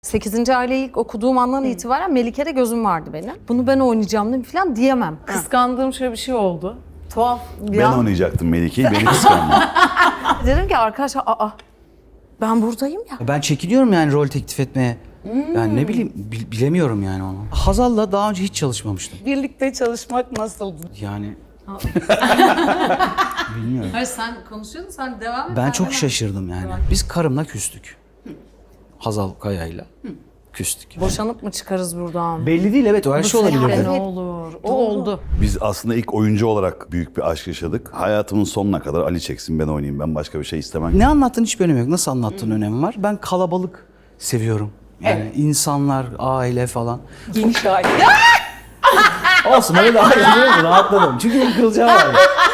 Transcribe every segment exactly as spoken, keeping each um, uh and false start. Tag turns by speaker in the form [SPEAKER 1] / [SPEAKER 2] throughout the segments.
[SPEAKER 1] sekizinci aileyi ilk okuduğum andan Hı. itibaren Melike'de gözüm vardı benim. Bunu ben oynayacağım değil mi falan diyemem.
[SPEAKER 2] Kıskandığım şöyle bir şey oldu. Tuhaf bir
[SPEAKER 3] Ben
[SPEAKER 2] an.
[SPEAKER 3] oynayacaktım Melike'yi, beni kıskandı.
[SPEAKER 1] Dedim ki arkadaşlar aa ben buradayım ya.
[SPEAKER 4] Ben çekiniyorum yani rol teklif etmeye.
[SPEAKER 2] Hmm.
[SPEAKER 4] Yani ne bileyim bil- bilemiyorum yani onu. Hazal'la daha önce hiç çalışmamıştım.
[SPEAKER 2] Birlikte çalışmak nasıldı?
[SPEAKER 4] Yani bilmiyorum.
[SPEAKER 1] Hayır sen konuşuyordun sen devam et.
[SPEAKER 4] Ben çok şaşırdım yani. Biz karımla küstük. Hazal Kaya'yla küstük.
[SPEAKER 1] Boşanıp mı çıkarız buradan?
[SPEAKER 4] Belli değil, evet, o her şey
[SPEAKER 1] sene
[SPEAKER 4] olabilirdi.
[SPEAKER 1] ne olur? O oldu.
[SPEAKER 3] Biz aslında ilk oyuncu olarak büyük bir aşk yaşadık. Hayatımın sonuna kadar Ali çeksin, ben oynayayım. Ben başka bir şey istemem.
[SPEAKER 4] Ne anlattığın hiçbir önemi yok. Nasıl anlattığın önemi var. Ben kalabalık seviyorum. Yani insanlar, aile falan.
[SPEAKER 2] Geniş aile.
[SPEAKER 4] Olsun, öyle daha iyi, rahatladım. Çünkü benim kılacağı var.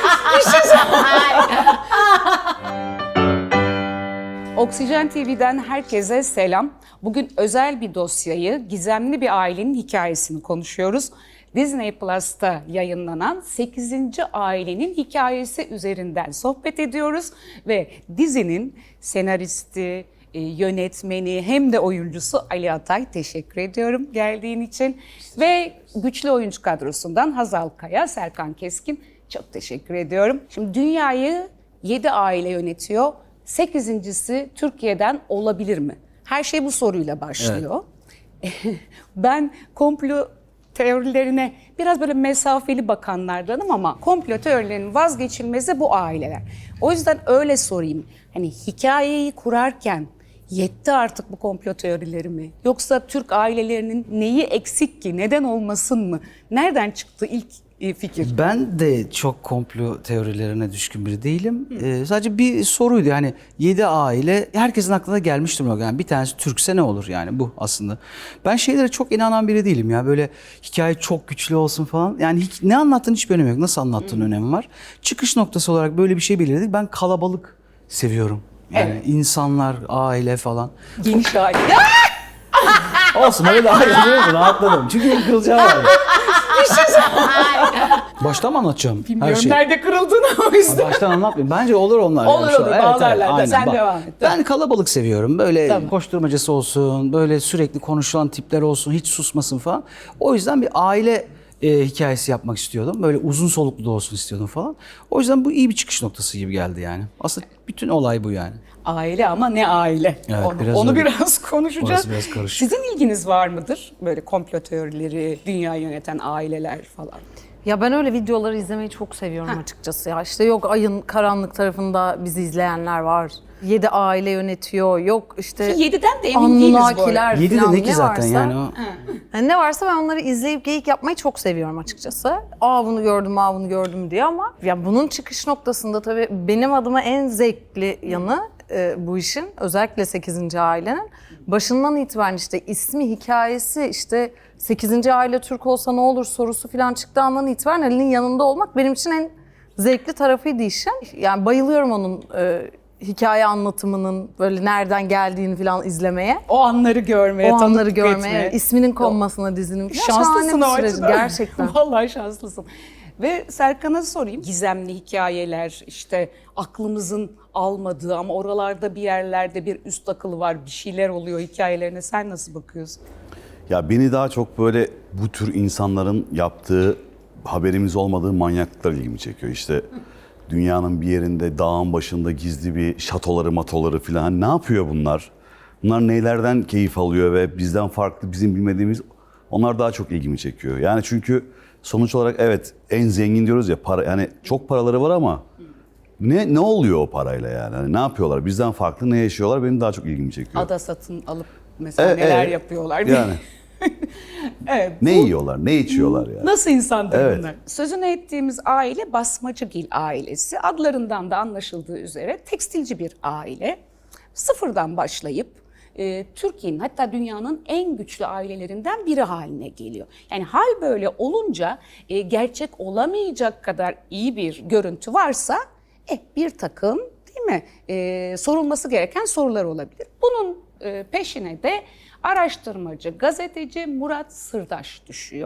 [SPEAKER 2] Oksijen T V'den herkese selam. Bugün özel bir dosyayı, gizemli bir ailenin hikayesini konuşuyoruz. Disney Plus'ta yayınlanan sekizinci ailenin hikayesi üzerinden sohbet ediyoruz. Ve dizinin senaristi, e, yönetmeni hem de oyuncusu Ali Atay, teşekkür ediyorum geldiğin için. Ve güçlü oyuncu kadrosundan Hazal Kaya, Serkan Keskin, çok teşekkür ediyorum. Şimdi dünyayı yedi aile yönetiyor. sekizincisi Türkiye'den olabilir mi? Her şey bu soruyla başlıyor. Evet. Ben komplo teorilerine biraz böyle mesafeli bakanlardanım ama komplo teorilerinin vazgeçilmezi bu aileler. O yüzden öyle sorayım. Hani hikayeyi kurarken yetti artık bu komplo teorileri mi? Yoksa Türk ailelerinin neyi eksik ki? Neden olmasın mı? Nereden çıktı ilk fikir?
[SPEAKER 4] Ben de çok komplo teorilerine düşkün biri değilim. Ee, sadece bir soruydu yani yedi aile herkesin aklına gelmiştir. Yani bir tanesi Türkse ne olur yani bu aslında. Ben şeylere çok inanan biri değilim ya, böyle hikaye çok güçlü olsun falan. Yani hiç, ne anlattığın hiçbir önemi yok. Nasıl anlattığın hmm. önemi var. Çıkış noktası olarak böyle bir şey belirledik. Ben kalabalık seviyorum. Yani evet. insanlar, aile falan.
[SPEAKER 2] Geniş aile.
[SPEAKER 4] Olsun, öyle daha iyi, rahatladım. Çünkü benim kılacağı var. Baştan mı anlatacağım?
[SPEAKER 2] Bilmiyorum
[SPEAKER 4] her şeyi?
[SPEAKER 2] Nerede kırıldığını o yüzden.
[SPEAKER 4] Baştan anlatmayayım. Bence olur onlar.
[SPEAKER 2] Olur
[SPEAKER 4] yani
[SPEAKER 2] olur,
[SPEAKER 4] evet,
[SPEAKER 2] bağlarlar
[SPEAKER 4] evet,
[SPEAKER 2] da sen
[SPEAKER 4] Bak,
[SPEAKER 2] devam et.
[SPEAKER 4] Ben kalabalık seviyorum. Böyle
[SPEAKER 2] Tamam.
[SPEAKER 4] koşturmacası olsun, böyle sürekli konuşulan tipler olsun, hiç susmasın falan. O yüzden bir aile e, hikayesi yapmak istiyordum. Böyle uzun soluklu da olsun istiyordum falan. O yüzden bu iyi bir çıkış noktası gibi geldi yani. Aslında bütün olay bu yani.
[SPEAKER 2] Aile ama ne aile?
[SPEAKER 4] Evet,
[SPEAKER 2] onu
[SPEAKER 4] biraz
[SPEAKER 2] onu
[SPEAKER 4] öyle.
[SPEAKER 2] biraz konuşacağız.
[SPEAKER 4] Orası biraz karışık.
[SPEAKER 2] Sizin ilginiz var mıdır? Böyle komplo teorileri, dünya yöneten aileler falan.
[SPEAKER 1] Ya ben öyle videoları izlemeyi çok seviyorum
[SPEAKER 2] Ha.
[SPEAKER 1] açıkçası ya. İşte yok ayın karanlık tarafında bizi izleyenler var. Yedi aile yönetiyor. Yok işte
[SPEAKER 2] Ki yediden de emin değiliz bu arada.
[SPEAKER 1] Annunakiler
[SPEAKER 4] Yedi de
[SPEAKER 1] falan
[SPEAKER 4] ne ki zaten
[SPEAKER 1] varsa,
[SPEAKER 4] yani o.
[SPEAKER 1] Yani ne varsa ben onları izleyip geyik yapmayı çok seviyorum açıkçası. Aa bunu gördüm, aa bunu gördüm diye ama ya bunun çıkış noktasında tabii benim adıma en zevkli yanı e, bu işin özellikle sekizinci ailenin başından itibaren işte ismi, hikayesi, işte sekizinci aile Türk olsa ne olur sorusu falan çıktığı andan itibaren Ali'nin yanında olmak benim için en zevkli tarafıydı işin. Yani bayılıyorum onun e, hikaye anlatımının böyle nereden geldiğini falan izlemeye.
[SPEAKER 2] O anları görmeye,
[SPEAKER 1] O anları
[SPEAKER 2] tanıklık
[SPEAKER 1] görmeye,
[SPEAKER 2] etmeye.
[SPEAKER 1] isminin konmasına dizinin. Ya
[SPEAKER 2] Şanslısın
[SPEAKER 1] şahane
[SPEAKER 2] o
[SPEAKER 1] bir süreç
[SPEAKER 2] açıdan.
[SPEAKER 1] gerçekten.
[SPEAKER 2] Vallahi şanslısın. Ve Serkan'a sorayım. Gizemli hikayeler, işte aklımızın almadığı ama oralarda bir yerlerde bir üst akıl var, bir şeyler oluyor hikayelerine. Sen nasıl bakıyorsun?
[SPEAKER 3] Ya beni daha çok böyle bu tür insanların yaptığı, haberimiz olmadığı manyaklıklar ilgimi çekiyor. İşte dünyanın bir yerinde, dağın başında gizli bir şatoları, matoları falan. Ne yapıyor bunlar? Bunlar neylerden keyif alıyor ve bizden farklı, bizim bilmediğimiz, onlar daha çok ilgimi çekiyor. Yani çünkü sonuç olarak evet en zengin diyoruz ya, para, yani çok paraları var ama ne ne oluyor o parayla yani? Yani ne yapıyorlar? Bizden farklı ne yaşıyorlar? Benim daha çok ilgimi çekiyor.
[SPEAKER 2] Ada satın alıp mesela
[SPEAKER 3] Evet,
[SPEAKER 2] neler
[SPEAKER 3] evet.
[SPEAKER 2] yapıyorlar?
[SPEAKER 3] Yani.
[SPEAKER 2] Evet,
[SPEAKER 3] Ne
[SPEAKER 2] bu
[SPEAKER 3] yiyorlar, ne içiyorlar yani?
[SPEAKER 2] nasıl insandır
[SPEAKER 3] Evet.
[SPEAKER 2] bunlar? Sözünü ettiğimiz aile Basmacıgil ailesi. Adlarından da anlaşıldığı üzere tekstilci bir aile. Sıfırdan başlayıp e, Türkiye'nin hatta dünyanın en güçlü ailelerinden biri haline geliyor. Yani hal böyle olunca e, gerçek olamayacak kadar iyi bir görüntü varsa e, bir takım değil mi e, sorulması gereken sorular olabilir. Bunun e, peşine de araştırmacı, gazeteci Murat Sırdaş düşüyor.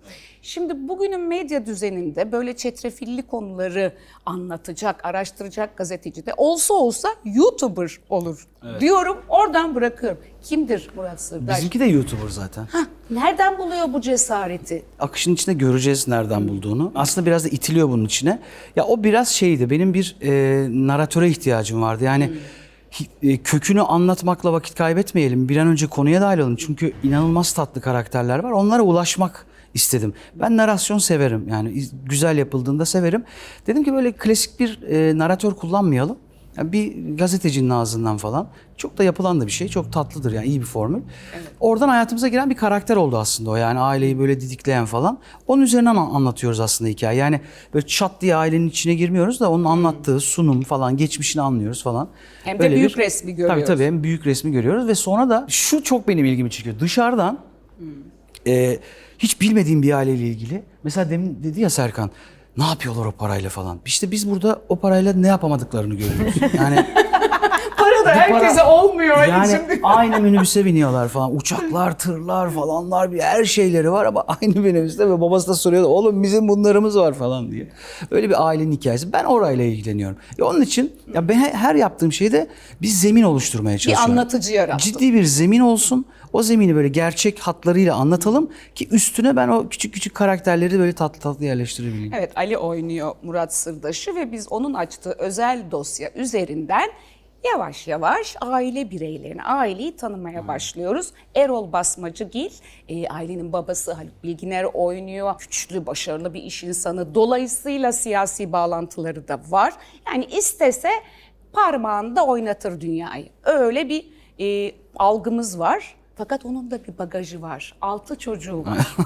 [SPEAKER 2] Şimdi bugünün medya düzeninde böyle çetrefilli konuları anlatacak, araştıracak gazeteci de olsa olsa YouTuber olur diyorum. Oradan bırakıyorum. Kimdir Murat Sırdaş?
[SPEAKER 4] Bizimki de YouTuber zaten.
[SPEAKER 2] Hah, nereden buluyor bu cesareti?
[SPEAKER 4] Akışın içinde göreceğiz nereden bulduğunu. Aslında biraz da itiliyor bunun içine. Ya o biraz şeydi, benim bir e, naratöre ihtiyacım vardı. Yani hi- e, kökünü anlatmakla vakit kaybetmeyelim. Bir an önce konuya dahil olalım. Çünkü inanılmaz tatlı karakterler var. Onlara ulaşmak istedim. Ben narasyon severim. Yani iz- güzel yapıldığında severim. Dedim ki böyle klasik bir e, naratör kullanmayalım. Yani bir gazetecinin ağzından falan. Çok da yapılan da bir şey. Çok tatlıdır yani, iyi bir formül. Oradan hayatımıza giren bir karakter oldu aslında o. Yani aileyi böyle didikleyen falan. Onun üzerinden an- anlatıyoruz aslında hikaye. Yani böyle çat diye ailenin içine girmiyoruz da onun anlattığı sunum falan, geçmişini anlıyoruz falan.
[SPEAKER 2] Hem de
[SPEAKER 4] Öyle
[SPEAKER 2] büyük resmi görüyoruz.
[SPEAKER 4] Tabii tabii, hem büyük resmi görüyoruz ve sonra da şu çok benim ilgimi çekiyor. Dışarıdan e, hiç bilmediğim bir aileyle ilgili. Mesela demin dedi ya Serkan, ne yapıyorlar o parayla falan. İşte biz burada o parayla ne yapamadıklarını görüyoruz. Yani
[SPEAKER 2] Para da herkese olmuyor.
[SPEAKER 4] yani
[SPEAKER 2] Şimdi.
[SPEAKER 4] aynı minibüse biniyorlar falan. Uçaklar, tırlar falanlar, bir her şeyleri var ama aynı minibüste ve babası da soruyor, oğlum bizim bunlarımız var falan diye. Öyle bir ailenin hikayesi. Ben orayla ilgileniyorum. Ya onun için ya ben her yaptığım şeyde bir zemin oluşturmaya
[SPEAKER 2] Bir
[SPEAKER 4] çalışıyorum.
[SPEAKER 2] anlatıcı yarattı.
[SPEAKER 4] Ciddi bir zemin olsun. O zemini böyle gerçek hatlarıyla anlatalım ki üstüne ben o küçük küçük karakterleri böyle tatlı tatlı yerleştirebileyim.
[SPEAKER 2] Evet, Ali oynuyor Murat Sırdaş'ı ve biz onun açtığı özel dosya üzerinden yavaş yavaş aile bireylerini, aileyi tanımaya başlıyoruz. Erol Basmacıgil, e, ailenin babası Haluk Bilginer oynuyor. Güçlü, başarılı bir iş insanı. Dolayısıyla siyasi bağlantıları da var. Yani istese parmağında oynatır dünyayı. Öyle bir e, algımız var. Fakat onun da bir bagajı var. Altı çocuğu var.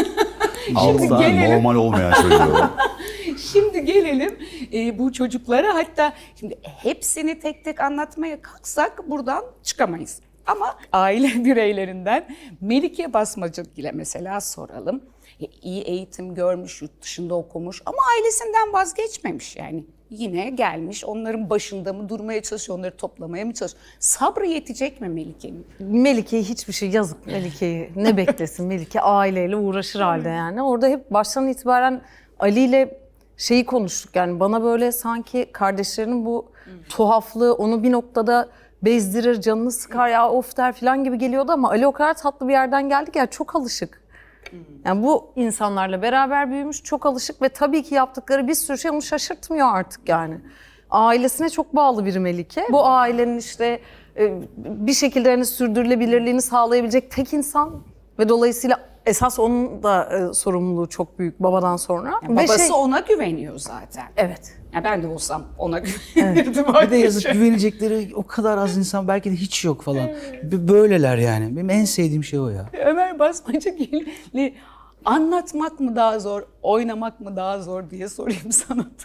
[SPEAKER 3] Altı
[SPEAKER 2] gelelim.
[SPEAKER 3] normal olmayan çocuğu.
[SPEAKER 2] Şimdi gelelim e, bu çocuklara, hatta şimdi hepsini tek tek anlatmaya kalksak buradan çıkamayız. Ama aile bireylerinden Melike Basmacıgil'e mesela soralım. E, iyi eğitim görmüş, yurt dışında okumuş ama ailesinden vazgeçmemiş yani. Yine gelmiş, onların başında mı durmaya çalışıyor, onları toplamaya mı çalışıyor? Sabrı yetecek mi Melike'nin?
[SPEAKER 1] Melike'yi hiçbir şey, yazık Melike'yi, ne beklesin, Melike aileyle uğraşır halde yani. Orada hep baştan itibaren Ali ile şeyi konuştuk, yani bana böyle sanki kardeşlerinin bu tuhaflığı onu bir noktada bezdirir, canını sıkar, ya of der falan gibi geliyordu ama Ali o kadar tatlı bir yerden geldi ki ya, çok alışık. Yani bu insanlarla beraber büyümüş, çok alışık ve tabii ki yaptıkları bir sürü şey onu şaşırtmıyor artık yani. Ailesine çok bağlı biri Melike. Bu ailenin işte e, bir şekilde hani sürdürülebilirliğini sağlayabilecek tek insan ve dolayısıyla esas onun da e, sorumluluğu çok büyük babadan sonra.
[SPEAKER 2] Yani
[SPEAKER 1] Ve
[SPEAKER 2] babası
[SPEAKER 1] şey-
[SPEAKER 2] ona güveniyor zaten.
[SPEAKER 1] Evet.
[SPEAKER 2] Ya ben de olsam ona güvenirdim.
[SPEAKER 4] Bir de yazık, güvenecekleri o kadar az insan, belki de hiç yok falan. B- Böyleler yani. Benim en sevdiğim şey o ya.
[SPEAKER 2] Ömer Basmacıgil'i anlatmak mı daha zor, oynamak mı daha zor diye sorayım sana da.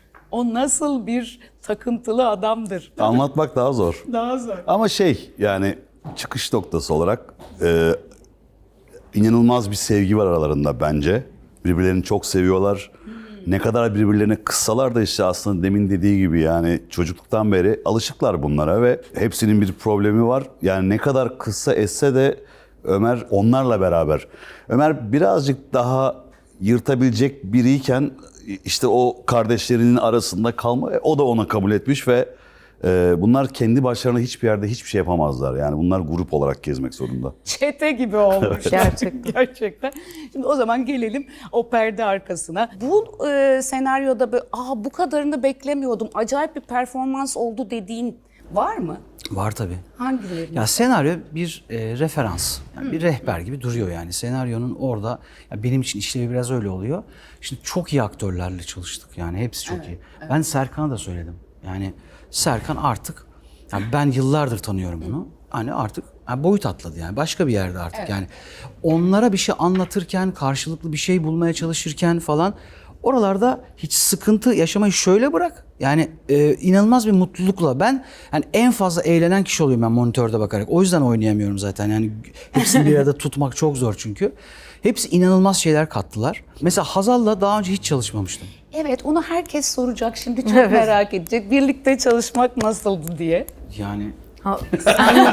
[SPEAKER 2] O nasıl bir takıntılı adamdır?
[SPEAKER 3] Anlatmak daha zor.
[SPEAKER 2] Daha zor.
[SPEAKER 3] Ama şey, yani çıkış noktası olarak e, inanılmaz bir sevgi var aralarında bence. Birbirlerini çok seviyorlar. Ne kadar birbirlerine kıssalar da işte aslında demin dediği gibi yani çocukluktan beri alışıklar bunlara ve hepsinin bir problemi var. Yani ne kadar kıssa etse de Ömer onlarla beraber. Ömer birazcık daha yırtabilecek biriyken işte o kardeşlerinin arasında kalma, o da ona kabul etmiş ve e, bunlar kendi başlarına hiçbir yerde hiçbir şey yapamazlar. Yani bunlar grup olarak gezmek zorunda.
[SPEAKER 2] Çete gibi olmuş.
[SPEAKER 1] Gerçekten.
[SPEAKER 2] Gerçekten. Şimdi o zaman gelelim o perde arkasına. Bu e, senaryoda böyle, aa bu kadarını beklemiyordum, acayip bir performans oldu dediğin var mı?
[SPEAKER 4] Var tabii.
[SPEAKER 2] Hangileri?
[SPEAKER 4] Ya senaryo bir e, referans, yani bir rehber gibi duruyor yani. Senaryonun orada, ya benim için işlevi biraz öyle oluyor. Şimdi çok iyi aktörlerle çalıştık yani, hepsi çok iyi. Ben Serkan'a da söyledim. Yani Serkan artık, yani ben yıllardır tanıyorum onu. Hani artık yani boyut atladı yani, başka bir yerde artık.
[SPEAKER 2] Evet.
[SPEAKER 4] Yani onlara bir şey anlatırken, karşılıklı bir şey bulmaya çalışırken falan, oralarda hiç sıkıntı yaşamayı şöyle bırak. Yani e, inanılmaz bir mutlulukla ben yani en fazla eğlenen kişi oluyorum ben monitörde bakarak. O yüzden oynayamıyorum zaten. Yani hepsini bir arada tutmak çok zor çünkü. Hepsi inanılmaz şeyler kattılar. Mesela Hazal'la daha önce hiç çalışmamıştım.
[SPEAKER 2] Evet, onu herkes soracak şimdi, çok
[SPEAKER 1] Evet.
[SPEAKER 2] merak edecek. Birlikte çalışmak nasıldı diye.
[SPEAKER 4] Yani
[SPEAKER 1] Ha, sen...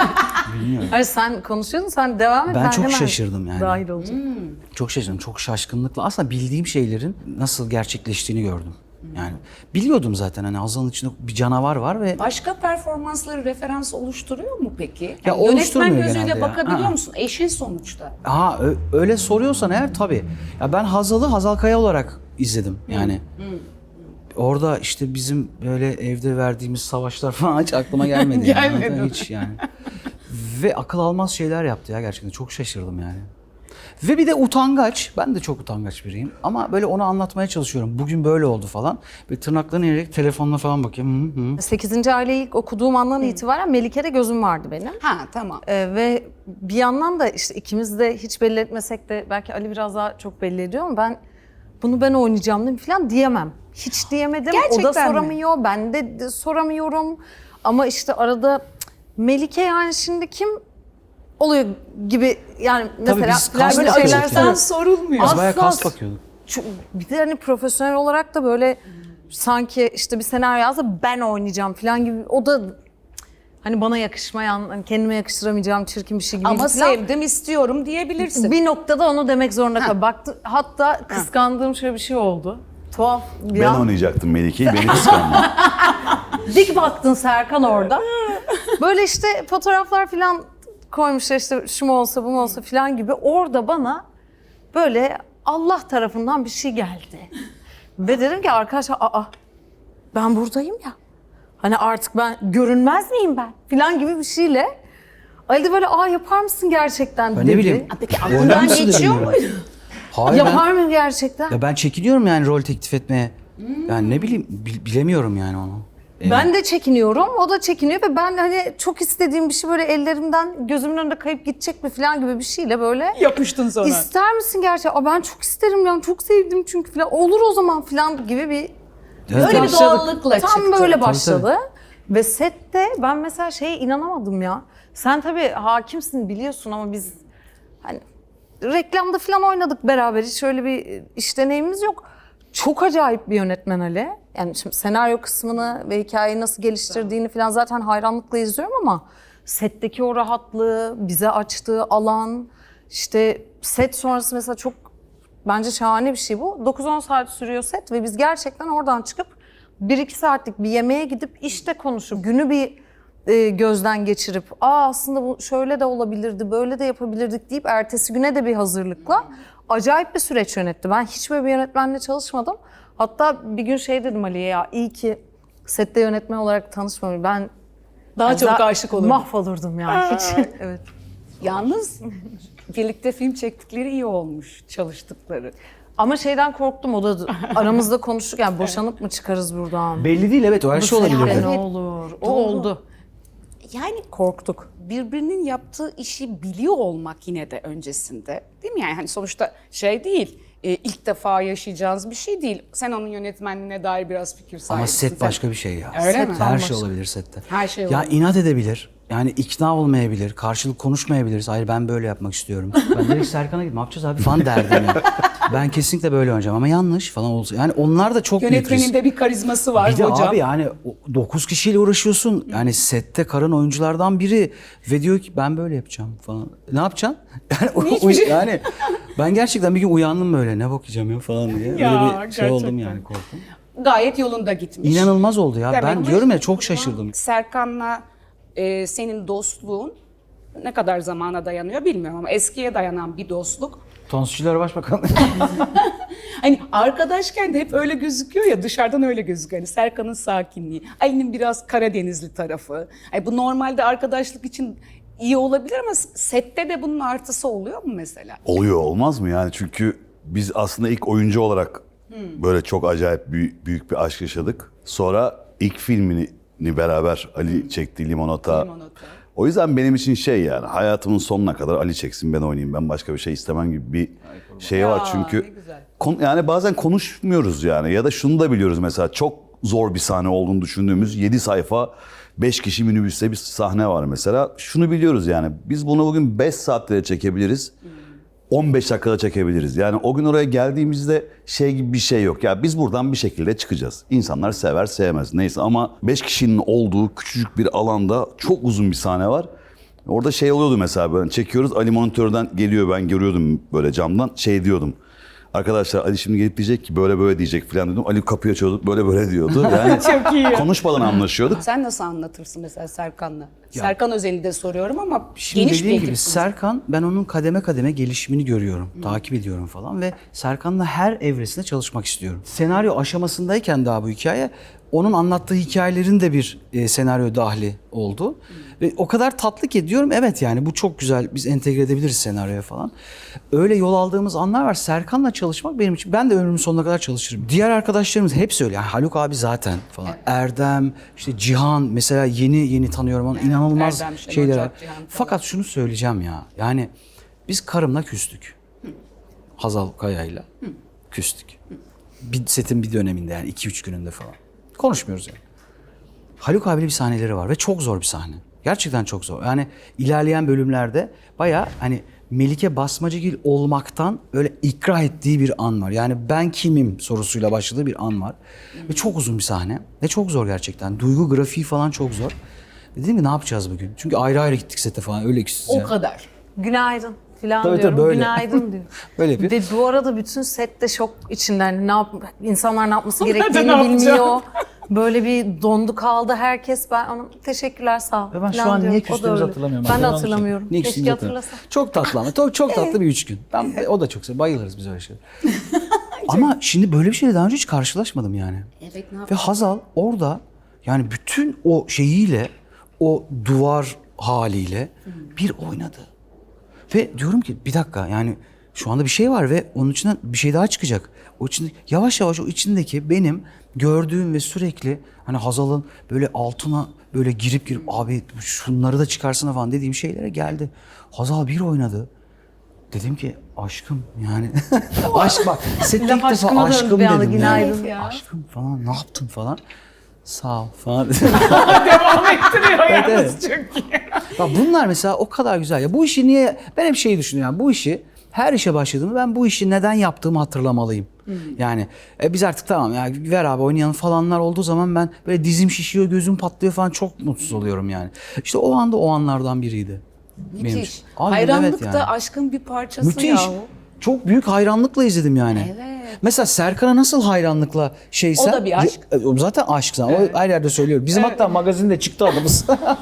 [SPEAKER 1] Hayır, sen konuşuyordun, sen devam et.
[SPEAKER 4] Ben çok
[SPEAKER 1] hemen
[SPEAKER 4] şaşırdım yani.
[SPEAKER 1] Dahil olacağım.
[SPEAKER 4] Çok şaşırdım, çok şaşkınlıkla. Aslında bildiğim şeylerin nasıl gerçekleştiğini gördüm. Yani biliyordum zaten hani Hazal'ın içinde bir canavar var ve
[SPEAKER 2] Başka performansları referans oluşturuyor mu peki?
[SPEAKER 4] Ya
[SPEAKER 2] Yani yönetmen
[SPEAKER 4] oluşturmuyor
[SPEAKER 2] gözüyle
[SPEAKER 4] genelde ya.
[SPEAKER 2] bakabiliyor
[SPEAKER 4] Ha.
[SPEAKER 2] musun? Eşin sonuçta.
[SPEAKER 4] ha ö- öyle soruyorsan eğer tabii. Ya ben Hazal'ı Hazal Kaya olarak izledim yani. Orada işte bizim böyle evde verdiğimiz savaşlar falan hiç aklıma gelmedi. yani.
[SPEAKER 2] Gelmedi mi?
[SPEAKER 4] Hiç yani. Ve akıl almaz şeyler yaptı ya gerçekten. Çok şaşırdım yani. Ve bir de utangaç. Ben de çok utangaç biriyim. Ama böyle onu anlatmaya çalışıyorum. Bugün böyle oldu falan. Böyle tırnaklarını yiyerek telefonla falan bakıyorum. Hı hı.
[SPEAKER 1] sekizinci aileyi ilk okuduğum andan itibaren Melike'de gözüm vardı benim.
[SPEAKER 2] Ha tamam.
[SPEAKER 1] Ee, ve bir yandan da işte ikimiz de hiç belli etmesek de belki Ali biraz daha çok belli ediyor ama ben bunu ben oynayacağım değil mi falan diyemem. Hiç diyemedim. O da
[SPEAKER 2] Gerçekten mi?
[SPEAKER 1] soramıyor, ben de, de soramıyorum. Ama işte arada cık, Melike yani şimdi kim oluyor gibi yani mesela
[SPEAKER 4] biz
[SPEAKER 1] falan
[SPEAKER 4] kas
[SPEAKER 1] böyle
[SPEAKER 4] bakıyoruz
[SPEAKER 1] şeyler
[SPEAKER 4] yani.
[SPEAKER 2] Sen
[SPEAKER 1] sana-
[SPEAKER 2] sorulmuyor.
[SPEAKER 4] Biz bayağı
[SPEAKER 1] Asla-
[SPEAKER 4] kas bakıyorduk.
[SPEAKER 1] Şu- bir de hani profesyonel olarak da böyle sanki işte bir senaryo yazsa ben oynayacağım falan gibi o da hani bana yakışmayan, hani kendime yakıştıramayacağım çirkin bir şey gibi
[SPEAKER 2] Ama
[SPEAKER 1] falan.
[SPEAKER 2] sevdim istiyorum diyebilirsin.
[SPEAKER 1] Bir noktada onu demek zorunda kaldım. Baktı, hatta kıskandığım şöyle bir şey oldu. Tuhaf bir
[SPEAKER 3] Ben
[SPEAKER 1] an.
[SPEAKER 3] oynayacaktım Melike'yi, beni kıskandı.
[SPEAKER 1] Dik baktın Serkan orada. Böyle işte fotoğraflar falan koymuşlar işte şu mu olsa bu mu olsa falan gibi. Orada bana böyle Allah tarafından bir şey geldi. Ve dedim ki arkadaşlar aa ben buradayım ya. Hani artık ben görünmez miyim ben falan gibi bir şeyle. Ali de böyle aa yapar mısın gerçekten
[SPEAKER 4] Ben
[SPEAKER 1] dedi.
[SPEAKER 4] ne bileyim.
[SPEAKER 2] Peki
[SPEAKER 4] oynar
[SPEAKER 2] aklından
[SPEAKER 4] mısın dedim
[SPEAKER 2] geçiyor
[SPEAKER 4] ya.
[SPEAKER 2] mu?
[SPEAKER 4] Hayır ben,
[SPEAKER 1] Yapar mı gerçekten?
[SPEAKER 4] ya ben çekiniyorum yani rol teklif etmeye. Yani ne bileyim bil- bilemiyorum yani onu. Evet.
[SPEAKER 1] Ben de çekiniyorum, o da çekiniyor ve ben hani çok istediğim bir şey böyle ellerimden gözümün önünde kayıp gidecek mi falan gibi bir şeyle böyle
[SPEAKER 2] Yapıştın sonra.
[SPEAKER 1] İster misin gerçekten? Aa, ben çok isterim ya, çok sevdim çünkü falan. Olur o zaman falan gibi bir
[SPEAKER 4] Evet,
[SPEAKER 1] öyle bir
[SPEAKER 4] başladık.
[SPEAKER 2] doğallıkla
[SPEAKER 1] tam
[SPEAKER 2] çıktı.
[SPEAKER 1] böyle
[SPEAKER 4] Tabii,
[SPEAKER 1] başladı. Ve sette ben mesela şeye inanamadım ya. Sen tabii hakimsin biliyorsun ama biz hani reklamda falan oynadık beraber. Hiç öyle bir iş deneyimimiz yok. Çok acayip bir yönetmen Ali. Yani şimdi senaryo kısmını ve hikayeyi nasıl geliştirdiğini falan zaten hayranlıkla izliyorum ama setteki o rahatlığı, bize açtığı alan, işte set sonrası mesela çok bence şahane bir şey bu. dokuz on saat sürüyor set ve biz gerçekten oradan çıkıp bir iki saatlik bir yemeğe gidip işte konuşup günü bir e, gözden geçirip aa aslında bu şöyle de olabilirdi, böyle de yapabilirdik deyip ertesi güne de bir hazırlıkla acayip bir süreç yönetti. Ben hiç böyle bir yönetmenle çalışmadım. Hatta bir gün şey dedim Ali'ye ya iyi ki sette yönetmen olarak tanışmamış. Ben
[SPEAKER 2] Daha
[SPEAKER 1] yani
[SPEAKER 2] çok
[SPEAKER 1] za-
[SPEAKER 2] aşık olurdum.
[SPEAKER 1] Mahvolurdum yani hiç. Evet.
[SPEAKER 2] Yalnız birlikte film çektikleri iyi olmuş çalıştıkları.
[SPEAKER 1] Ama şeyden korktum o da aramızda konuştuk yani boşanıp mı çıkarız buradan?
[SPEAKER 4] Belli değil evet o her
[SPEAKER 1] Bu
[SPEAKER 4] şey
[SPEAKER 1] sette
[SPEAKER 4] olabilirdi.
[SPEAKER 1] Ne olur? O
[SPEAKER 2] Doğru.
[SPEAKER 1] oldu.
[SPEAKER 2] Yani
[SPEAKER 1] Korktuk.
[SPEAKER 2] birbirinin yaptığı işi biliyor olmak yine de öncesinde. Değil mi yani hani sonuçta şey değil. e, ilk defa yaşayacağınız bir şey değil. Sen onun yönetmenliğine dair biraz fikir sahibisin.
[SPEAKER 4] Ama set başka bir şey ya.
[SPEAKER 2] Öyle
[SPEAKER 4] Set
[SPEAKER 2] mi?
[SPEAKER 4] Her
[SPEAKER 1] Bambaşka.
[SPEAKER 4] şey olabilir sette.
[SPEAKER 2] Her şey
[SPEAKER 4] Ya
[SPEAKER 2] olabilir.
[SPEAKER 4] inat edebilir. Yani ikna olmayabilir. Karşılık konuşmayabiliriz. Hayır ben böyle yapmak istiyorum. Ben direkt Serkan'a gidip ne yapacağız abi falan derdim ya. Ben kesinlikle böyle oynayacağım ama yanlış falan olsa. Yani onlar da çok büyük risk.
[SPEAKER 2] Yönetmenin de bir karizması var
[SPEAKER 4] Bir de
[SPEAKER 2] hocam.
[SPEAKER 4] abi yani dokuz kişiyle uğraşıyorsun. Yani sette karın oyunculardan biri ve diyor ki ben böyle yapacağım falan. Ne yapacaksın? Yani, o-
[SPEAKER 2] Hiçbir şey-
[SPEAKER 4] yani ben gerçekten bir gün uyandım böyle ne bakacağım ya falan diye.
[SPEAKER 2] Ya,
[SPEAKER 4] Öyle bir şey oldum
[SPEAKER 2] gerçekten.
[SPEAKER 4] yani korktum.
[SPEAKER 2] Gayet yolunda gitmiş.
[SPEAKER 4] İnanılmaz oldu ya.
[SPEAKER 2] Demek
[SPEAKER 4] ben
[SPEAKER 2] ki-
[SPEAKER 4] diyorum ya çok şaşırdım.
[SPEAKER 2] Serkan'la e, senin dostluğun ne kadar zamana dayanıyor bilmiyorum ama eskiye dayanan bir dostluk.
[SPEAKER 4] Tonsüller Başbakanı.
[SPEAKER 2] Hani arkadaşken de hep öyle gözüküyor ya dışarıdan öyle gözüküyor. Hani Serkan'ın sakinliği, Ali'nin biraz Karadenizli tarafı. Hani bu normalde arkadaşlık için iyi olabilir ama sette de bunun artısı oluyor mu mesela?
[SPEAKER 3] Oluyor olmaz mı yani? Çünkü biz aslında ilk oyuncu olarak böyle çok acayip büyük, büyük bir aşk yaşadık. Sonra ilk filmini beraber Ali çekti Limonata.
[SPEAKER 2] Limonata.
[SPEAKER 3] O yüzden benim için şey yani hayatımın sonuna kadar Ali çeksin ben oynayayım. Ben başka bir şey istemem gibi bir şey
[SPEAKER 2] Ya,
[SPEAKER 3] var çünkü.
[SPEAKER 2] ne güzel.
[SPEAKER 3] kon- yani bazen konuşmuyoruz yani ya da şunu da biliyoruz mesela çok zor bir sahne olduğunu düşündüğümüz yedi sayfa beş kişi minibüste bir sahne var mesela. Şunu biliyoruz yani biz bunu bugün beş saatte de çekebiliriz. on beş dakikada çekebiliriz. Yani o gün oraya geldiğimizde şey gibi bir şey yok. Ya biz buradan bir şekilde çıkacağız. İnsanlar sever sevmez neyse ama beş kişinin olduğu küçücük bir alanda çok uzun bir sahne var. Orada şey oluyordu mesela, böyle çekiyoruz, Ali monitörden geliyor, ben görüyordum böyle camdan, şey diyordum. Arkadaşlar Ali şimdi gelip diyecek ki böyle böyle diyecek falan diyordum. Ali kapıyı açıyordu, böyle böyle diyordu. Yani
[SPEAKER 2] Çok iyi.
[SPEAKER 3] konuşmadan anlaşıyorduk.
[SPEAKER 2] Sen nasıl anlatırsın mesela Serkan'la? Serkan özelinde soruyorum ama
[SPEAKER 4] Şimdi
[SPEAKER 2] geniş bir
[SPEAKER 4] dediğim gibi
[SPEAKER 2] ekipsiniz.
[SPEAKER 4] Serkan, ben onun kademe kademe gelişimini görüyorum, takip ediyorum falan ve Serkan'la her evresinde çalışmak istiyorum. Senaryo aşamasındayken daha bu hikaye, onun anlattığı hikayelerin de bir e, senaryo dahli oldu. Ve o kadar tatlı ki diyorum evet yani bu çok güzel, biz entegre edebiliriz senaryoya falan. Öyle yol aldığımız anlar var. Serkan'la çalışmak benim için, ben de ömrümün sonuna kadar çalışırım. Diğer arkadaşlarımız hepsi öyle. Yani Haluk abi zaten falan. Erdem, işte Cihan mesela yeni yeni tanıyorum onu. İnanılmaz
[SPEAKER 2] Erdem, Şenol
[SPEAKER 4] şeyler var.
[SPEAKER 2] Çak, Cihan falan.
[SPEAKER 4] Fakat şunu söyleyeceğim ya. Yani biz karımla küstük. Hazal Kaya'yla küstük. Bir setin bir döneminde yani iki üç gününde falan. Konuşmuyoruz yani. Haluk abiyle bir sahneleri var ve çok zor bir sahne. Gerçekten çok zor. Yani ilerleyen bölümlerde bayağı hani Melike Basmacıgil olmaktan öyle ikra ettiği bir an var. Yani ben kimim sorusuyla başladığı bir an var. Ve çok uzun bir sahne. Ve çok zor gerçekten. Duygu grafiği falan çok zor. Ve dedim ki ne yapacağız bugün? Çünkü ayrı ayrı gittik sete falan, öyle küstüz
[SPEAKER 2] O
[SPEAKER 4] yani.
[SPEAKER 2] kadar.
[SPEAKER 1] Günaydın falan
[SPEAKER 4] Tabii, tabii,
[SPEAKER 1] diyorum.
[SPEAKER 4] böyle.
[SPEAKER 1] Günaydın diyor.
[SPEAKER 4] Böyle yapıyor.
[SPEAKER 1] Ve bu arada bütün set de şok içinde. Hani ne yap insanlar ne yapması
[SPEAKER 2] Onlar da
[SPEAKER 1] gerektiğini
[SPEAKER 2] ne yapacak?
[SPEAKER 1] bilmiyor. Böyle bir dondu kaldı herkes. Ben ona teşekkürler sağ ol.
[SPEAKER 4] Ve ben şu
[SPEAKER 1] falan
[SPEAKER 4] an
[SPEAKER 1] diyorum.
[SPEAKER 4] niye
[SPEAKER 1] O da
[SPEAKER 4] küstüğümüzü
[SPEAKER 1] öyle.
[SPEAKER 4] hatırlamıyorum.
[SPEAKER 1] Ben de
[SPEAKER 4] Hatırlamam ki.
[SPEAKER 1] hatırlamıyorum.
[SPEAKER 4] Niye
[SPEAKER 1] Keşke
[SPEAKER 4] küstüğümüzü hatırlamıyorum.
[SPEAKER 1] hatırlasam.
[SPEAKER 4] Çok tatlı ama çok, çok tatlı bir üç gün. Ben, o da çok seviyorum. Bayılırız biz öyle şeyler. Ama şimdi böyle bir şeyle daha önce hiç karşılaşmadım yani.
[SPEAKER 2] Evet, ne
[SPEAKER 4] Ve
[SPEAKER 2] yapalım?
[SPEAKER 4] Hazal orada yani bütün o şeyiyle, o duvar haliyle bir oynadı. Ve diyorum ki bir dakika yani şu anda bir şey var ve onun içinden bir şey daha çıkacak. O içinde yavaş yavaş o içindeki benim gördüğüm ve sürekli hani Hazal'ın böyle altına böyle girip girip abi şunları da çıkarsana falan dediğim şeylere geldi. Hazal bir oynadı. Dedim ki aşkım yani aşk bak sette ilk defa
[SPEAKER 1] aşkıma döndü
[SPEAKER 4] aşkım
[SPEAKER 1] bir anda,
[SPEAKER 4] dedim
[SPEAKER 1] günaydın
[SPEAKER 4] yani.
[SPEAKER 1] ya.
[SPEAKER 4] Aşkım falan ne yaptın falan. Sağ ol falan.
[SPEAKER 2] Devam ettiriyor
[SPEAKER 4] Evet,
[SPEAKER 2] yalnız
[SPEAKER 4] evet.
[SPEAKER 2] çok iyi.
[SPEAKER 4] Bak bunlar mesela o kadar güzel. Ya bu işi niye, ben hep şeyi düşünüyorum. Yani bu işi, her işe başladığımda ben bu işi neden yaptığımı hatırlamalıyım. Yani e, biz artık tamam ya ver abi oynayalım falanlar olduğu zaman ben böyle dizim şişiyor, gözüm patlıyor falan, çok mutsuz oluyorum yani. İşte o anda o anlardan biriydi. benim için.
[SPEAKER 2] Müthiş.
[SPEAKER 4] Harbiden
[SPEAKER 2] Hayranlık
[SPEAKER 4] evet
[SPEAKER 2] da
[SPEAKER 4] yani.
[SPEAKER 2] aşkın bir parçası
[SPEAKER 4] Müthiş.
[SPEAKER 2] yahu.
[SPEAKER 4] Çok büyük hayranlıkla izledim yani.
[SPEAKER 2] Evet.
[SPEAKER 4] Mesela Serkan'a nasıl hayranlıkla şeysen...
[SPEAKER 2] O da bir aşk.
[SPEAKER 4] E, o zaten aşk zaten. O her yerde söylüyorum. Bizim hatta magazinde çıktı adımız.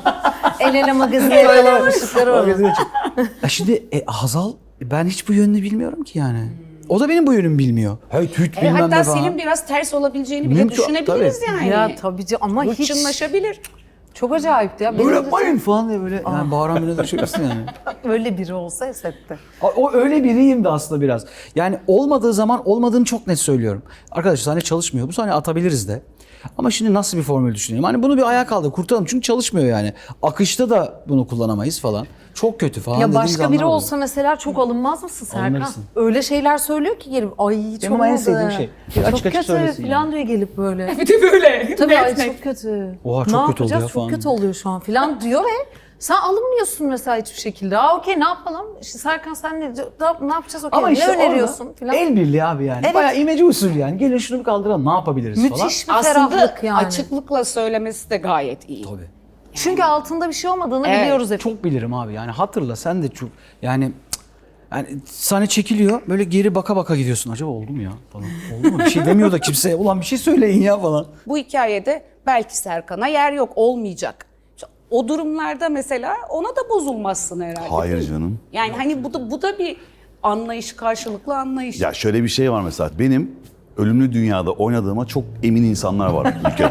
[SPEAKER 1] El ele magazine yakalamışlıkları var.
[SPEAKER 4] Magazine çıktı. Ya şimdi e, Hazal, ben hiç bu yönünü bilmiyorum ki yani. O da benim bu yönümü bilmiyor. Hey tüt
[SPEAKER 2] E,
[SPEAKER 4] bilmem
[SPEAKER 2] hatta
[SPEAKER 4] ne falan.
[SPEAKER 2] senin biraz ters olabileceğini bile
[SPEAKER 4] Mümkün-
[SPEAKER 2] düşünebiliriz
[SPEAKER 4] tabii.
[SPEAKER 2] yani.
[SPEAKER 1] Ya tabii ki ama hiç
[SPEAKER 2] Hırçınlaşabilir.
[SPEAKER 1] çok acayipti ya.
[SPEAKER 4] Böyle
[SPEAKER 1] Benim de
[SPEAKER 4] yapmayın falan diye böyle yani bağıran birine düşürürsün yani.
[SPEAKER 1] öyle biri olsa sette.
[SPEAKER 4] O- O öyle biriyim de aslında biraz. Yani olmadığı zaman olmadığını çok net söylüyorum. Arkadaşlar sahne çalışmıyor. Bu sahne atabiliriz de. Ama şimdi nasıl bir formül düşünelim? Hani bunu bir ayağa kaldır, kurtaralım. Çünkü çalışmıyor yani. Akışta da bunu kullanamayız falan. Çok kötü falan
[SPEAKER 1] Ya
[SPEAKER 4] dediğimiz
[SPEAKER 1] başka
[SPEAKER 4] anlar
[SPEAKER 1] biri
[SPEAKER 4] oluyor.
[SPEAKER 1] olsa mesela çok alınmaz mısın Serkan?
[SPEAKER 4] Alınırsın.
[SPEAKER 1] Öyle şeyler söylüyor ki gelip ay çok
[SPEAKER 4] ama en
[SPEAKER 1] olmadı.
[SPEAKER 4] sevdiğim şey. Bir
[SPEAKER 1] Çok
[SPEAKER 4] açık açık
[SPEAKER 1] kötü
[SPEAKER 4] söylesin
[SPEAKER 1] falan
[SPEAKER 4] yani.
[SPEAKER 1] diyor gelip böyle.
[SPEAKER 2] Bir de böyle.
[SPEAKER 1] Tabii
[SPEAKER 2] net
[SPEAKER 1] ay
[SPEAKER 2] net.
[SPEAKER 1] çok kötü.
[SPEAKER 4] Oha, çok
[SPEAKER 1] ne
[SPEAKER 4] kötü oldu
[SPEAKER 1] yapacağız?
[SPEAKER 4] ya
[SPEAKER 1] Çok
[SPEAKER 4] falan.
[SPEAKER 1] kötü oluyor şu an falan diyor ve sen alınmıyorsun mesela hiçbir şekilde. Aa okey ne yapalım? İşte Serkan sen ne, ne yapacağız okey
[SPEAKER 4] Ama işte
[SPEAKER 1] ne öneriyorsun
[SPEAKER 4] orada
[SPEAKER 1] falan.
[SPEAKER 4] el birliği abi yani.
[SPEAKER 1] Evet.
[SPEAKER 4] Bayağı imece usul yani. Gelin şunu bir kaldıralım, ne yapabiliriz falan.
[SPEAKER 1] Müthiş bir
[SPEAKER 2] Aslında
[SPEAKER 1] ferahlık yani.
[SPEAKER 2] açıklıkla söylemesi de gayet iyi.
[SPEAKER 4] Tabii.
[SPEAKER 1] Çünkü altında bir şey olmadığını
[SPEAKER 2] Evet,
[SPEAKER 1] biliyoruz hep.
[SPEAKER 4] Çok bilirim abi yani, hatırla sen de çok yani cık, yani sahne çekiliyor böyle geri baka baka gidiyorsun, acaba oldu mu ya falan, oldu mu bir şey demiyor da kimse, ulan bir şey söyleyin ya falan.
[SPEAKER 2] Bu hikayede belki Serkan'a yer yok, olmayacak. İşte o durumlarda mesela ona da bozulmazsın herhalde.
[SPEAKER 3] Hayır
[SPEAKER 2] değil mi?
[SPEAKER 3] canım.
[SPEAKER 2] Yani hani bu da bu da bir anlayış, karşılıklı anlayış.
[SPEAKER 3] Ya şöyle bir şey var mesela, benim Ölümlü Dünya'da oynadığıma çok emin insanlar var ülkede.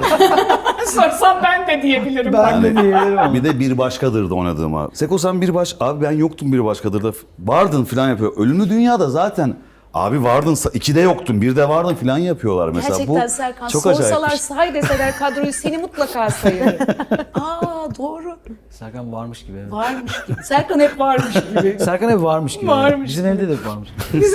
[SPEAKER 2] Sorsam ben de diyebilirim.
[SPEAKER 4] Ben de diyebilirim ama.
[SPEAKER 3] Bir de Bir Başkadır'da oynadığıma. Seko sen Bir Baş... Abi ben yoktum Bir Başkadır'da. Vardın falan yapıyor. Ölümlü Dünya'da zaten... Abi vardın, ikide yoktun, bir de vardın falan yapıyorlar mesela.
[SPEAKER 2] Gerçekten
[SPEAKER 3] Bu
[SPEAKER 2] Serkan,
[SPEAKER 3] çok
[SPEAKER 2] sorsalar
[SPEAKER 3] acayip. bir şey.
[SPEAKER 2] say deseler kadroyu seni mutlaka sayarım. Aa doğru.
[SPEAKER 4] Serkan varmış gibi. Evet.
[SPEAKER 2] Varmış gibi. Serkan hep varmış gibi.
[SPEAKER 4] Serkan hep varmış gibi.
[SPEAKER 2] Varmış
[SPEAKER 4] Bizim evde de hep varmış.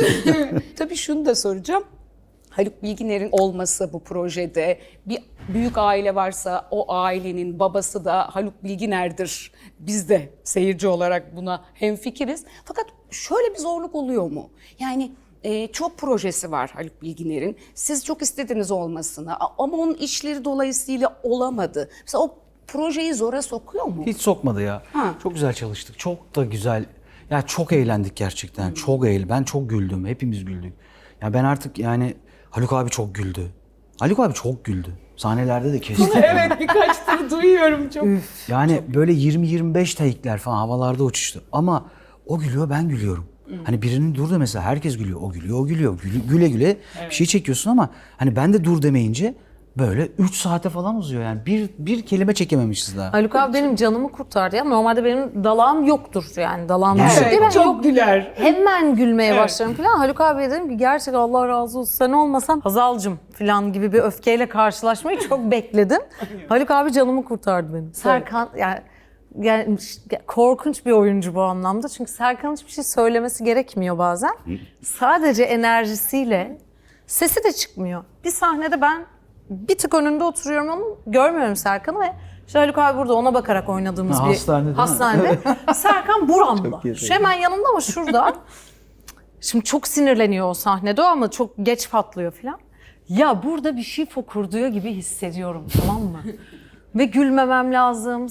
[SPEAKER 2] Tabii şunu da soracağım. Haluk Bilginer'in olması bu projede, bir büyük aile varsa o ailenin babası da Haluk Bilginer'dir. Biz de seyirci olarak buna hemfikiriz. Fakat şöyle bir zorluk oluyor mu? Yani e, çok projesi var Haluk Bilginer'in. Siz çok istediniz olmasını a- ama onun işleri dolayısıyla olamadı. Mesela o projeyi zora sokuyor mu?
[SPEAKER 4] Hiç sokmadı ya.
[SPEAKER 2] Ha.
[SPEAKER 4] Çok güzel çalıştık. Çok da güzel. Ya çok eğlendik gerçekten. Çok eğl. Ben çok güldüm. Hepimiz güldük. Ya ben artık yani Haluk abi çok güldü. Haluk abi çok güldü. Sahnelerde de kestik.
[SPEAKER 2] Evet, birkaç tane duyuyorum çok.
[SPEAKER 4] Yani böyle yirmi yirmi beş teyikler falan havalarda uçuştu. Ama o gülüyor, ben gülüyorum. Hani birinin dur demesi, herkes gülüyor. O gülüyor, o gülüyor. Güle güle, güle bir şey çekiyorsun ama hani ben de dur demeyince böyle üç saate falan uzuyor yani. Bir bir kelime çekememişiz daha.
[SPEAKER 1] Haluk abi benim canımı kurtardı ya. Normalde benim dalağım yoktur yani. Dalağım düşük
[SPEAKER 2] Evet,
[SPEAKER 1] değil. Ben
[SPEAKER 2] çok
[SPEAKER 1] yok-
[SPEAKER 2] güler.
[SPEAKER 1] Hemen gülmeye başlarım falan. Haluk abiye dedim ki gerçek Allah razı olsun sen olmasan Hazal'cım falan gibi bir öfkeyle karşılaşmayı çok bekledim. Haluk abi canımı kurtardı benim. Serkan yani, yani korkunç bir oyuncu bu anlamda. Çünkü Serkan'ın hiçbir şey söylemesi gerekmiyor bazen. Sadece enerjisiyle sesi de çıkmıyor. Bir sahnede ben bir tık önünde oturuyorum ama görmüyorum Serkan'ı ve işte Haluk abi burada ona bakarak oynadığımız
[SPEAKER 4] Ha,
[SPEAKER 1] bir
[SPEAKER 4] hastanede değil mi?
[SPEAKER 1] hastanede. Serkan buramda. Şu hemen yanımda ama şurada. Şimdi çok sinirleniyor o sahnede o ama çok geç patlıyor falan. Ya burada bir şey fokurduyor gibi hissediyorum, tamam mı? Ve gülmemem lazım.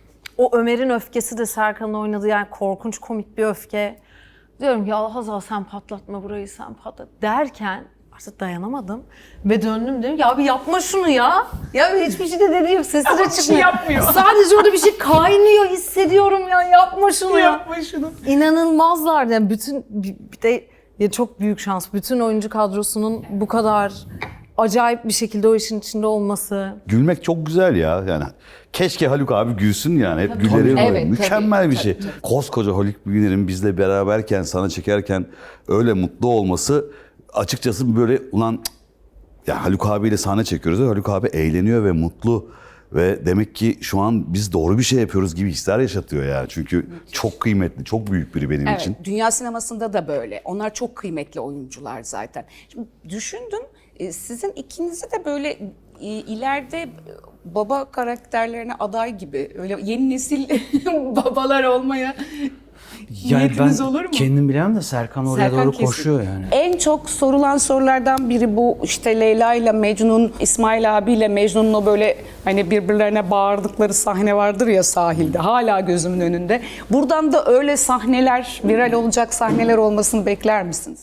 [SPEAKER 1] O Ömer'in öfkesi de Serkan'ın oynadığı yani korkunç komik bir öfke. Diyorum ki ya Hazal sen patlatma burayı sen patlat derken artık dayanamadım ve döndüm dedim ki abi yapma şunu ya. Ya hiçbir şey de dediğim sesi de
[SPEAKER 2] Ama bir şey
[SPEAKER 1] çıkmıyor.
[SPEAKER 2] yapmıyor.
[SPEAKER 1] Sadece orada bir şey kaynıyor hissediyorum ya yapma şunu ya.
[SPEAKER 2] Yapma şunu.
[SPEAKER 1] İnanılmazlar yani bütün bir bir de ya çok büyük şans bütün oyuncu kadrosunun bu kadar acayip bir şekilde o işin içinde olması.
[SPEAKER 3] Gülmek çok güzel ya. Yani keşke Haluk abi gülsün yani. Hep gülerim.
[SPEAKER 2] Evet,
[SPEAKER 3] böyle. Mükemmel
[SPEAKER 2] tabii,
[SPEAKER 3] bir şey. Koskoca Haluk Bilginer'in bizle beraberken, sana çekerken öyle mutlu olması açıkçası böyle ulan cık, ya Haluk abiyle sahne çekiyoruz ve Haluk abi eğleniyor ve mutlu ve demek ki şu an biz doğru bir şey yapıyoruz gibi hisler yaşatıyor yani. Çünkü çok kıymetli, çok büyük biri benim
[SPEAKER 2] Evet,
[SPEAKER 3] için.
[SPEAKER 2] dünya sinemasında da böyle. Onlar çok kıymetli oyuncular zaten. Şimdi düşündüm, e, sizin ikinizi de böyle e, ileride baba karakterlerine aday gibi, öyle yeni nesil babalar olmaya
[SPEAKER 4] Yani
[SPEAKER 2] niyetiniz
[SPEAKER 4] ben
[SPEAKER 2] olur mu?
[SPEAKER 4] kendim bilemem de Serkan oraya
[SPEAKER 2] Serkan
[SPEAKER 4] doğru
[SPEAKER 2] kesin.
[SPEAKER 4] koşuyor yani.
[SPEAKER 2] En çok sorulan sorulardan biri bu işte Leyla ile Mecnun, İsmail abiyle Mecnun'un o böyle hani birbirlerine bağırdıkları sahne vardır ya sahilde. Hala gözümün önünde. Buradan da öyle sahneler, viral olacak sahneler olmasını bekler misiniz?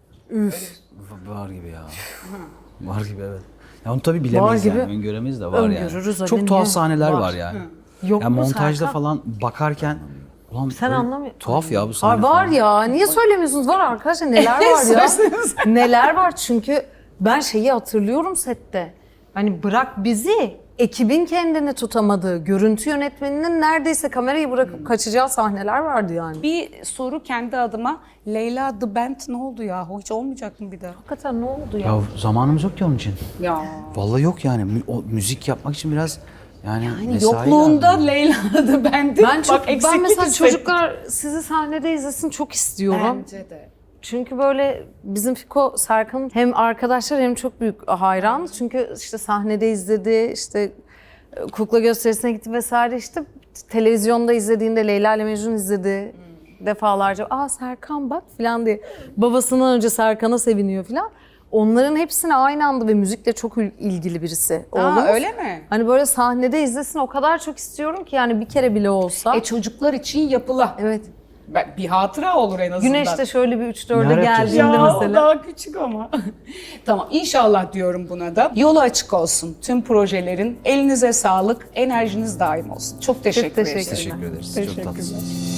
[SPEAKER 4] Var gibi ya. Var gibi evet. Ya onu tabii bilemeyiz
[SPEAKER 1] Var gibi.
[SPEAKER 4] yani. Öngöremeyiz de var
[SPEAKER 1] Öngörürüz
[SPEAKER 4] yani.
[SPEAKER 1] hadi,
[SPEAKER 4] Çok tuhaf
[SPEAKER 1] niye?
[SPEAKER 4] sahneler var,
[SPEAKER 1] Var.
[SPEAKER 4] yani.
[SPEAKER 1] Yok
[SPEAKER 4] Ya
[SPEAKER 1] mu
[SPEAKER 4] montajda
[SPEAKER 1] Serkan?
[SPEAKER 4] falan bakarken ulan
[SPEAKER 1] Sen
[SPEAKER 4] böyle
[SPEAKER 1] anlamıyorsun.
[SPEAKER 4] tuhaf ya bu
[SPEAKER 1] Var,
[SPEAKER 4] sahne
[SPEAKER 1] var
[SPEAKER 4] falan.
[SPEAKER 1] ya. Niye söylemiyorsunuz? Var arkadaşlar. Neler var ya? Neler var? Çünkü ben şeyi hatırlıyorum sette. Hani bırak bizi, ekibin kendini tutamadığı, görüntü yönetmeninin neredeyse kamerayı bırakıp kaçacağı sahneler vardı yani.
[SPEAKER 2] Bir soru kendi adıma. Leyla The Band ne oldu ya? O hiç olmayacak mı bir daha?
[SPEAKER 1] Hakikaten ne oldu ya?
[SPEAKER 4] Ya zamanımız yok ki onun için.
[SPEAKER 2] Ya.
[SPEAKER 4] Vallahi yok yani. Mü- O müzik yapmak için biraz yani,
[SPEAKER 2] Hani
[SPEAKER 4] mesai
[SPEAKER 2] yokluğunda
[SPEAKER 4] lazım.
[SPEAKER 2] Leyla The Band'i
[SPEAKER 1] Ben çok, ben
[SPEAKER 2] eksiklik
[SPEAKER 1] mesela
[SPEAKER 2] hissettim.
[SPEAKER 1] çocuklar sizi sahnede izlesin çok istiyorum.
[SPEAKER 2] Bence de.
[SPEAKER 1] Çünkü böyle bizim Fiko Serkan'ın hem arkadaşlar hem çok büyük hayran. Çünkü işte sahnede izledi, işte kukla gösterisine gitti vesaire işte televizyonda izlediğinde Leyla ile Mecnun izledi defalarca. Aa Serkan bak falan diye. Babasından önce Serkan'a seviniyor falan. Onların hepsine aynı anda ve müzikle çok ilgili birisi.
[SPEAKER 2] Aa,
[SPEAKER 1] oğlumuz.
[SPEAKER 2] öyle mi?
[SPEAKER 1] Hani böyle sahnede izlesin o kadar çok istiyorum ki yani bir kere bile olsa.
[SPEAKER 2] E çocuklar için yapıla.
[SPEAKER 1] Evet.
[SPEAKER 2] Ben- Bir hatıra olur en azından.
[SPEAKER 1] Güneş de şöyle bir üç dörde
[SPEAKER 4] Neler yapacağız?
[SPEAKER 1] geldiğinde
[SPEAKER 2] ya o
[SPEAKER 1] mesela.
[SPEAKER 2] daha küçük ama. Tamam inşallah diyorum buna da. Yolu açık olsun tüm projelerin. Elinize sağlık, enerjiniz daim olsun. Çok teşekkür
[SPEAKER 1] teşekkür
[SPEAKER 2] ederim.
[SPEAKER 1] ederim.
[SPEAKER 4] Teşekkür ederiz.
[SPEAKER 2] Teşekkürler.
[SPEAKER 4] Çok tatlısınız.